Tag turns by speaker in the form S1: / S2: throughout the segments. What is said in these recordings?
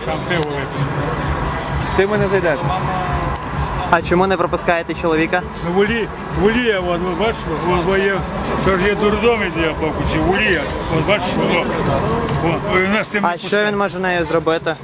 S1: там пиво випити.
S2: З тим ви не зайдете.
S3: А чому не пропускаєте чоловіка?
S1: Ну, Волія, от, ви бачите, бо є, тож є дурдомі, де я покучив, Волія, от бачите, воно.
S3: А що він може нею зробити?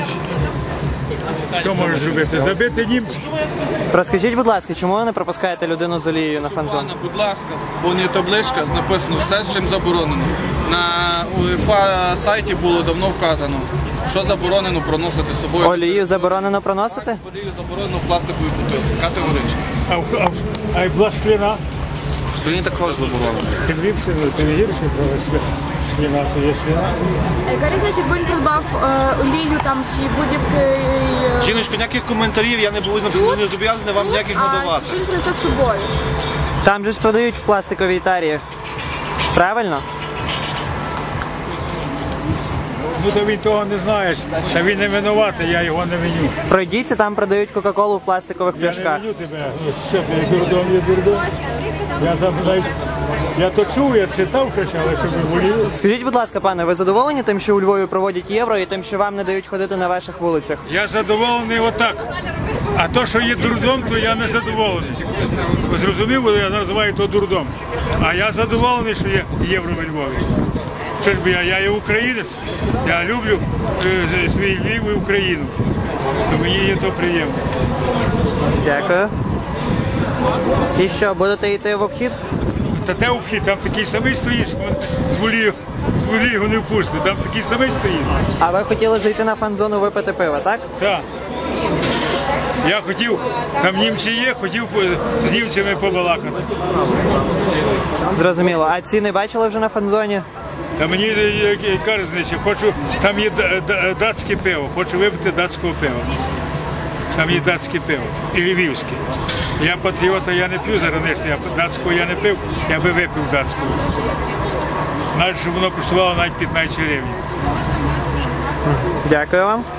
S1: Що може зробити? Забити німців.
S3: Розкажіть, будь ласка, чому ви не пропускаєте людину з олією на фан-зону?
S2: Будь ласка, вон є табличка, написано все, з чим заборонено. На УЄФА сайті було давно вказано, що заборонено проносити з собою.
S3: Олію заборонено проносити?
S2: Олію заборонено в пластиковій бутилці, категорично.
S1: А й була шкліна.
S2: Шкліні також заборонено.
S1: Тим ліпше, тим гірше, коли шкліна, то є шкліна.
S4: Яка різниця, якби він придбав олію там чи будь-який...
S2: Жіночко, ніяких коментарів, я не зобов'язаний вам ніяких надавати.
S4: А що він принесе з собою?
S3: Там же ж продають в пластиковій тарі. Правильно?
S1: Ну, то він того не знає, та він не винуватий, я його не виню.
S3: Пройдіться, там продають Кока-Колу в пластикових
S1: Я не
S3: пляшках.
S1: виню тебе, ну, що ти, дурдом є дурдом. Я то чув, я читав щось, але щоб волів.
S3: Скажіть, будь ласка, пане, ви задоволені тим, що у Львові проводять євро і тим, що вам не дають ходити на ваших вулицях?
S1: Я задоволений отак. А то, що є дурдом, то я не задоволений. Ви зрозумів, я називаю то дурдом. А я задоволений, що є євро в Львові. Що ж би я є українець, я люблю свій Львів і Україну. То мені є то приємно.
S3: Дякую. І що, будете йти в обхід?
S1: Та де обхід, там такий самий стоїть, що з волі його не впустить, там такий самий стоїть.
S3: А ви хотіли зайти на фан-зону випити пиво, так?
S1: Так. Я хотів, там німці є, хотів з німцями побалакати.
S3: Зрозуміло. А ціни бачили вже на фан-зоні?
S1: Та мені яка різниця, хочу, там є датське пиво, хочу випити датського пива. Там є датське пиво і львівське. Я патріота, я не п'ю зараз, датського я не пив, я би випив датського. Навіть, щоб воно коштувало навіть 15 гривень.
S3: Дякую вам.